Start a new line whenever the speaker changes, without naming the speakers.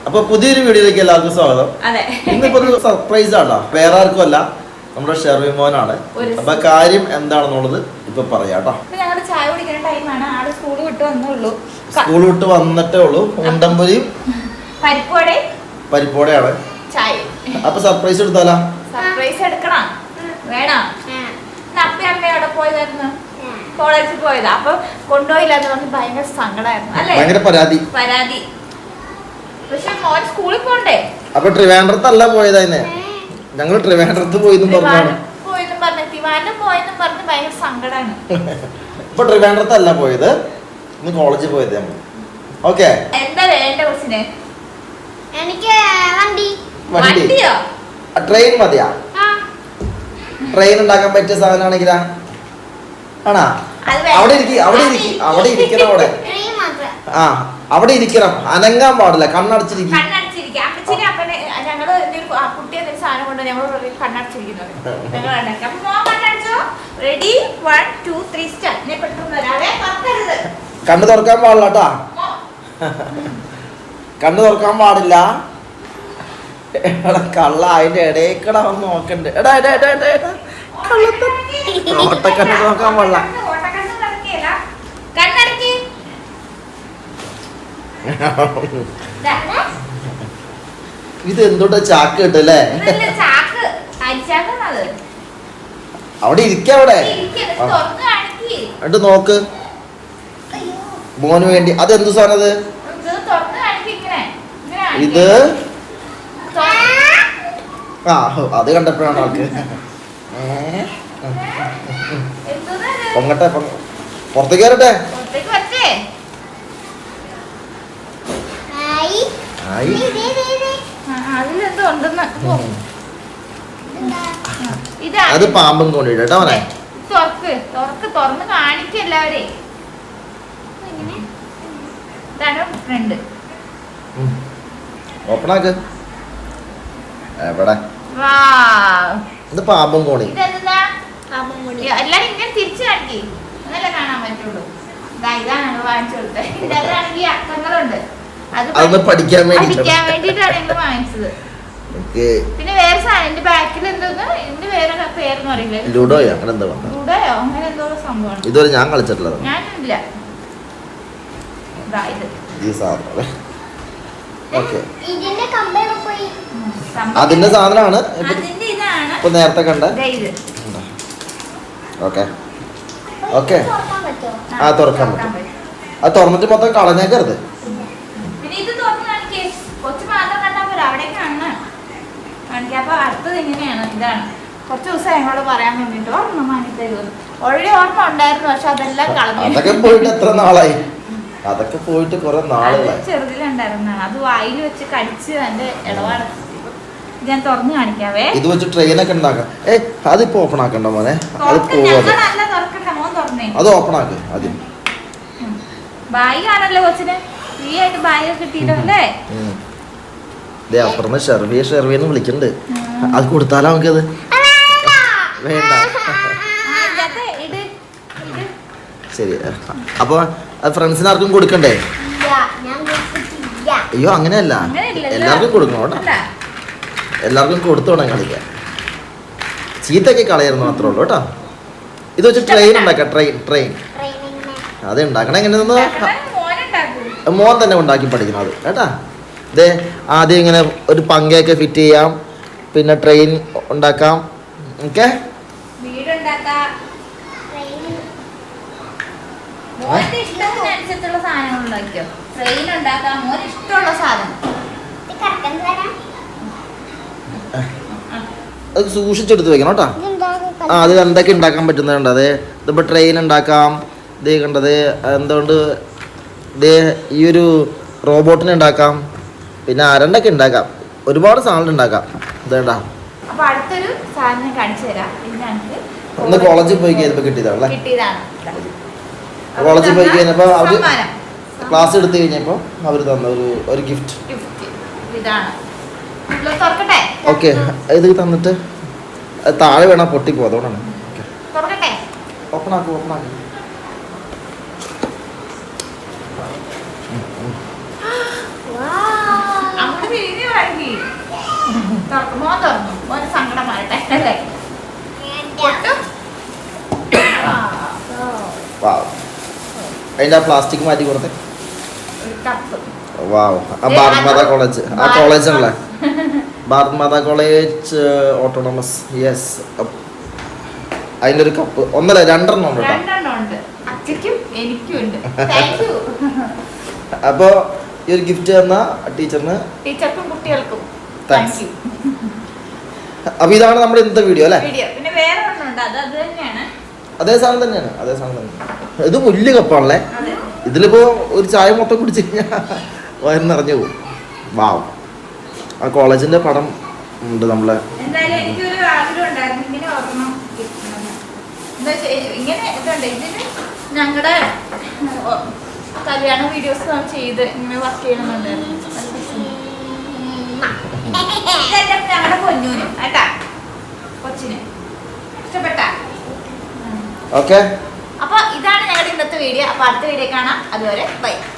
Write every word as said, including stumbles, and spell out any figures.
അപ്പൊ പുതിയൊരു വീഡിയോയിലേക്ക് എല്ലാവർക്കും സ്വാഗതം. ഇന്നിപ്പോ ഒരു സർപ്രൈസ് ആണോ, വേറെ ആർക്കും അല്ല, നമ്മുടെ ഷെർവി മോനാണ്. അപ്പൊ കാര്യം എന്താണെന്നുള്ളത് ഇപ്പൊ പറയാട്ടോ. സ്കൂൾ വിട്ട് വന്നിട്ടേ ഉള്ളൂ. ഉണ്ടമ്പൊരിയും പരിപ്പോടെയാണ്. അപ്പൊ സർപ്രൈസ് എടുത്താലോ?
സർപ്രൈസ് എടുക്കണം വേണം. അപ്പി അമ്മയോടെ പോയതായിരുന്നു, കോളേജിൽ പോയതാ. അപ്പൊ കൊണ്ടുപോയില്ലാന്ന് പറഞ്ഞ് ഭയങ്കര സങ്കടമായിരുന്നു അല്ലേ,
ഭയങ്കര പരാതി
പരാതി പക്ഷെ മോൻ സ്കൂളിൽ പോണ്ടേ.
അപ്പൊ ട്രിവാൻഡ്രത്തല്ല പോയതായിരുന്നേ, ഞങ്ങൾ ട്രിവാൻഡ്രത്ത് പോയിന്നും പറഞ്ഞു
പോയെന്നും പറഞ്ഞു തിരുവാൻഡ്രം പോയെന്നും പറഞ്ഞ് ഭയങ്കര സങ്കടമാണ്.
ഇപ്പൊ ട്രിവാൻഡ്രത്തല്ല പോയത്, ഇന്ന് കോളേജിൽ പോയത് നമ്മൾ. ഓക്കെ,
എന്താ വേണ്ട കൊച്ചിന്?
എനിക്ക് വണ്ടി.
വണ്ടിയോ?
ട്രെയിൻ മതിയാ? ട്രെയിൻ ഉണ്ടാക്കാൻ പറ്റിയ സാധനമാണെങ്കിലാ ആണാ? അവിടെ ഇരിക്കും, അവിടെ ഇരിക്കും, അവിടെ ഇരിക്കണം. അവിടെ ആ അവിടെ ഇരിക്കണം, അനങ്ങാൻ പാടില്ല, കണ്ണടച്ചിരിക്കും.
ഞങ്ങള് കുട്ടി എന്തെങ്കിലും സാധനം കൊണ്ട് ഞങ്ങൾ കണ്ണടച്ചിരിക്കുന്നത്. Ready one two three start.
കണ്ണ് തുറക്കാൻ പാടില്ല കേട്ടാ, കണ്ണ് തുറക്കാൻ പാടില്ല. കള്ള അതിന്റെ ഇടയ്ക്കട വന്ന് നോക്കണ്ട്. എടാ എടാ എടാ എടാ എടാ ഓട്ടക്കണ്ണ് നോക്കാൻ പാടില്ല. ഇത് എന്തുകൊണ്ടാ ചാക്ക് കിട്ടല്ലേ? അവിടെ ഇരിക്ക, അവിടെ എന്നിട്ട് നോക്ക് മോന് വേണ്ടി. അതെന്തു സാധനം അത്? ഇത് ആ അത് കണ്ടപ്പോഴാണ് ആൾക്ക് പൊങ്ങട്ടെ, പുറത്തേക്ക് കയറട്ടെ. അത് പാമ്പും കൊണ്ടിട്ടോ അവനെ.
തുറന്ന് കാണിക്കല്ലാവരെ. ഫ്രണ്ട്
ഓപ്പണാക്ക്. എവിടെ ഇത് പാമ്പും കോണി?
എല്ലാരും ഇങ്ങനെ തിരിച്ചു കാണിക്കേ, അതല്ലേ കാണാൻ പറ്റുള്ളൂ. ഇതാണ് വാങ്ങിച്ചു കൊടുത്തത്. ഇതിലാണെങ്കിൽ അക്കങ്ങളുണ്ട്, അത്
പഠിക്കാൻ
പഠിക്കാൻ വേണ്ടിട്ടാണ് ഞങ്ങൾ വാങ്ങിച്ചത്. പിന്നെ വേറെ സാധനം എന്റെ ബാക്കിൽ എന്തോന്ന്, എന്റെ വേറെ പേരെന്ന് അറിയില്ല,
ലുഡോയോ അങ്ങനെ എന്തോ
ലുഡോയോ അങ്ങനെ എന്തോ സംഭവമാണ്.
ഇതുവരെ ഞാൻ കളിച്ചിട്ടുള്ളത്
ഞാനില്ല.
അതിന്റെ സാധനമാണ് ഇപ്പൊ നേരത്തെ കണ്ട. ഓക്കെ ഓക്കെ ആ തുറക്കാൻ പറ്റും. അത് തുറന്നിട്ട് മൊത്തം കളഞ്ഞേക്കരുത്.
പിന്നെ ഇത് തുറന്ന് കാണിക്കേ, കൊച്ചു മാത്രം കണ്ടാ പോരാ, അവിടെ കാണാൻ കാണിക്കാം. അപ്പൊ അടുത്തത് ഇങ്ങനെയാണ്. ഇതാണ് കുറച്ച് ദിവസം ഞങ്ങളോട് പറയാൻ വേണ്ടിട്ട് ഓർമ്മ മാറ്റി തരുമെന്ന്. ഓൾറെഡി ഓർമ്മ ഉണ്ടായിരുന്നു, പക്ഷെ അതെല്ലാം കളഞ്ഞു.
അതൊക്കെ പോയിട്ട് എത്ര നാളായി? അതൊക്കെ പോയിട്ട് കുറെ നാളുകളായി.
ചെറുതിലുണ്ടായിരുന്നാണ്, അത് വായിൽ വെച്ച് കടിച്ച് അതിന്റെ ഇടപാട്. ഞാൻ തുറന്ന് കാണിക്കാവേ.
ഇത് വെച്ച് ട്രെയിൻ ഒക്കെ ഉണ്ടാക്കാം. ഏ അതിപ്പോ ഓപ്പൺ ആക്കണ്ട മോനെ, അത് അത് ഓപ്പൺ ആക്ക് ആദ്യം.
ബായി കാണല്ലോ കൊച്ചിന്, ഫ്രീ ആയിട്ട് ബായി ഒക്കെ കിട്ടിയിട്ടല്ലേ.
അപ്പുറന്ന് ഷെർവിയെ ഷെർവിയെന്ന് വിളിക്കണ്ട്. അത് കൊടുത്താലോ നമുക്കത്? വേണ്ട ശരി. അപ്പൊ ഫ്രണ്ട്സിന് ആർക്കും കൊടുക്കണ്ടേ? അയ്യോ അങ്ങനെയല്ല, എല്ലാവർക്കും കൊടുക്കണം കേട്ടോ. എല്ലാവർക്കും കൊടുത്തോണം കളിക്കാൻ. ചീത്തൊക്കെ കളയായിരുന്നു മാത്രമേ ഉള്ളൂ കേട്ടോ. ഇത് വെച്ച് ട്രെയിൻ ഉണ്ടാക്കാം. ട്രെയിൻ ട്രെയിൻ അത് ഉണ്ടാക്കണം. എങ്ങനെയെന്ന് മോൻ തന്നെ ഉണ്ടാക്കി പഠിക്കണം അത് കേട്ടാ. ഇതേ ആദ്യം ഇങ്ങനെ ഒരു പങ്കയൊക്കെ ഫിറ്റ് ചെയ്യാം, പിന്നെ ട്രെയിൻ ഉണ്ടാക്കാം. ഓക്കെ, അത് സൂക്ഷിച്ചെടുത്ത് വെക്കണം കേട്ടോ. ആ അത് എന്തൊക്കെ ഉണ്ടാക്കാൻ പറ്റുന്നുണ്ട്. അതെ ഇതിപ്പോ ട്രെയിൻ ഉണ്ടാക്കാം. ഇത് കണ്ടത് എന്തുകൊണ്ട് ഇത് ഈ ഒരു റോബോട്ടിനെ ഉണ്ടാക്കാം, പിന്നെ അരണ്ടൊക്കെ ഉണ്ടാക്കാം, ഒരുപാട് സാധനം ഉണ്ടാക്കാം. ഇതേണ്ടാ ഒന്ന് കോളേജിൽ പോയി കഴിഞ്ഞപ്പോ കിട്ടിയതാണല്ലേ. കോളേജിൽ പോയി കഴിഞ്ഞപ്പോ അവര് ക്ലാസ് എടുത്തു കഴിഞ്ഞപ്പോ അവര് തന്ന ഒരു ഒരു ഗിഫ്റ്റ്. ഓക്കെ, ഇത് തന്നിട്ട് താഴെ വേണം പൊട്ടിപ്പോ, അതുകൊണ്ടാണ്. ഓപ്പൺ ആക്കും ഓപ്പൺ ആക്കും. അതിന്റെ ആ പ്ലാസ്റ്റിക് മാറ്റി കൊടുത്തേ.
ഒരു കപ്പ്.
വാവ്. ആ ഭാരത് മാതാ കോളേജ്, ആ കോളേജ് ആണല്ലേ, Bharat Mata college autonomous. Yes. അതിന്റെ ഒരു കപ്പ് ഒന്നല്ല രണ്ടെണ്ണം ഉണ്ട് കേട്ടോ.
രണ്ടെണ്ണം ഉണ്ട്. അച്ഛക്കും എനിക്കും ഉണ്ട്. Thank you.
അപ്പോ ഈ ഒരു ഗിഫ്റ്റ് തന്ന ടീച്ചറിന്,
ടീച്ചർക്കും കുട്ടികൾക്കും
താങ്ക്സ്.
Thank you.
അപ്പൊ ഇതാണ് നമ്മുടെ ഇന്നത്തെ വീഡിയോ അല്ലേ?
വീഡിയോ. പിന്നെ വേറെ ഒന്നുണ്ട്, അത് അത് തന്നെയാണ്.
അതേ സാധനം തന്നെയാണ്, അതേ സാധനം തന്നെ. ഇത് വലിയ കപ്പാണല്ലേ.
അതെ.
ഇതിലിപ്പോ ഒരു ചായ മൊത്തം കുടിച്ചു കഴിഞ്ഞാൽ വയറ് നിറഞ്ഞു പോകും. വാവ്. ആ കോളേജിന്റെ പടം ഉണ്ട് നമ്മളെ.
എന്തായാലും എനിക്കൊരു ആഗ്രഹം ഉണ്ടായിരുന്നു ഇങ്ങനെ ഓർമ്മ കിട്ടണമെന്ന്. എന്താ വെച്ചാ ഇങ്ങനെ ഇതുണ്ട്, ഇതിന് ഞങ്ങളുടെ കല്യാണ വീഡിയോസ് നാം ചെയ്ത് ഇങ്ങനെ വർക്ക് ചെയ്യണമെന്നുണ്ടായിരുന്നു. ഇതെന്റെ ഞങ്ങളുടെ പൊന്നൂനും കേട്ടാ, കൊച്ചിന് ഇഷ്ടപ്പെട്ട.
ഓക്കെ.
അപ്പൊ ഇതാണ് ഞങ്ങളുടെ ഇന്നത്തെ വീഡിയോ. അപ്പൊ അടുത്ത വീഡിയോ കാണാം. അതുവരെ ബൈ.